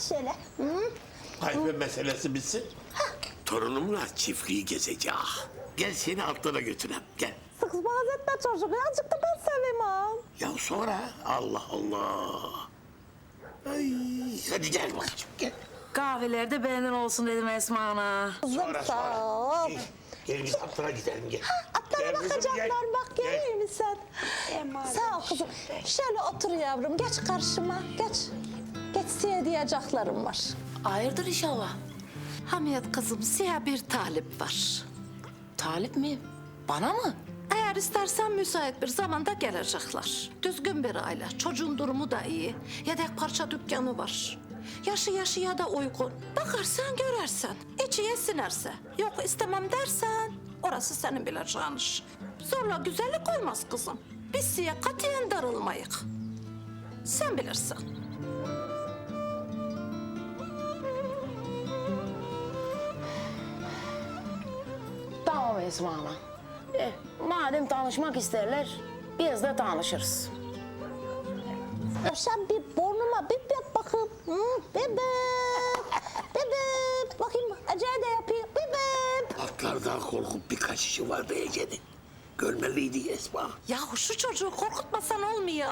şöyle. Hı? Hayfe meselesi bitsin. Torunumla çiftliği gezeceğim. Gel seni altlara götüreyim, gel. Sık boğaz etme çocuğu. Azıcık da ben seveyim ha. Ya sonra Allah Allah. Ay, hadi gel bakayım, gel. Kahvelerde beğenin olsun dedim Esma Ana. Kızım sağ ol. Gel biz atlara gidelim, gel. Atlara Gel kızım, bakacaklar gel. bak görüyor musun sen? Sağ ol kızım. Şöyle otur yavrum geç karşıma geç. Geç size diyeceklerim var. Hayırdır inşallah. Hamiyet kızım size bir talip var. Talip mi? Bana mı? Eğer istersen müsait bir zamanda gelecekler. Düzgün bir aile, çocuğun durumu da iyi. Yedek parça dükkanı var. Yaşı yaşıya da uygun. Bakarsan görersen, içiye sinerse. Yok istemem dersen, orası senin bileceğin iş. Zorla güzellik olmaz kızım. Biz size katiyen darılmayık. Sen bilirsin. Tamam Esma Ana. Madem tanışmak isterler, biz de tanışırız. Sen bir burnuma bir bak bakayım. Bebek. Bebek. Bakayım Ece'ye de yapayım. Bebek. Atlardan korkup bir kaçışı vardı Ece'nin. Görmeliydi Esma. Yahu şu çocuğu korkutmasan olmuyor.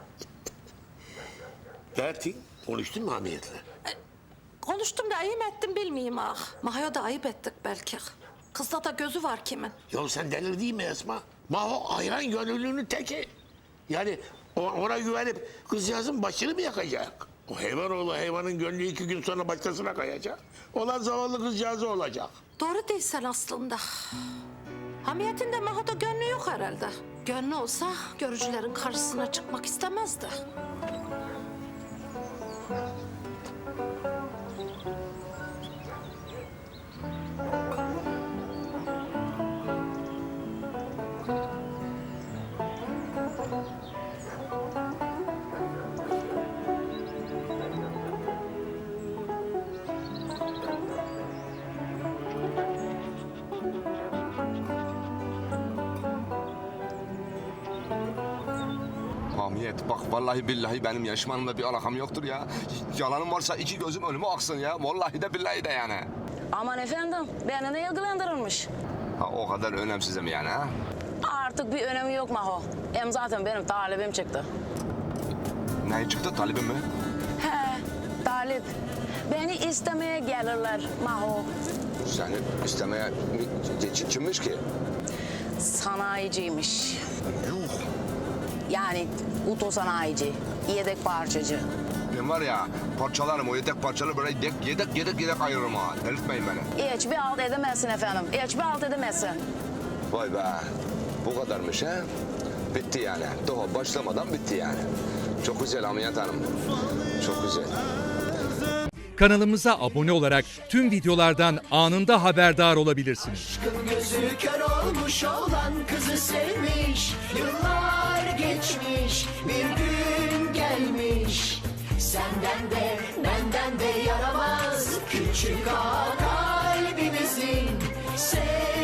Dertin, konuştun mu Hamiyet'le? Konuştum da ayıp ettim bilmeyeyim ah. Mahya da ayıp ettik belki. Kızda da gözü var kimin? Ya sen delirdin mi Esma? Maho hayran gönüllünün teki. Yani ona güvenip kızcağızın başını mı yakacak? O hayvan oğlu hayvanın gönlü 2 gün sonra başkasına kayacak. Olan zavallı kızcağızı olacak. Doğru değilsen aslında. Hamiyet'in de Maha'da gönlü yok herhalde. Gönlü olsa görücülerin karşısına çıkmak istemezdi. Hamiyet bak vallahi billahi benim yaşmanımla bir alakam yoktur ya. Yalanım varsa 2 gözüm önüme aksın ya. Vallahi de billahi de yani. Aman efendim, beni ne ilgilendirilmiş? Ha, o kadar önemsizim yani ha. Artık bir önemi yok Maho. Hem zaten benim talibim çıktı. Ne çıktı talibim mi? He, talip. Beni istemeye gelirler Maho. Seni istemeye kimmiş ki? Sanayiciymiş. Yuh. Yani otosanayici, yedek parçacı. Ben var ya parçalarım o yedek parçaları böyle yedek ayırırım ha. Delirtmeyin beni. Hiçbir alt edemezsin efendim, hiçbir alt edemezsin. Vay be. Bu kadarmış ha. Bitti yani. Daha başlamadan bitti yani. Çok güzel Hamiyet Hanım. Çok güzel. Kanalımıza abone olarak tüm videolardan anında haberdar olabilirsiniz. Aşkın gözü kör olmuş olan kızı sevmiş. Yıllar geçmiş, bir gün gelmiş. Senden de benden de yaramaz küçük ağa kalbimizin.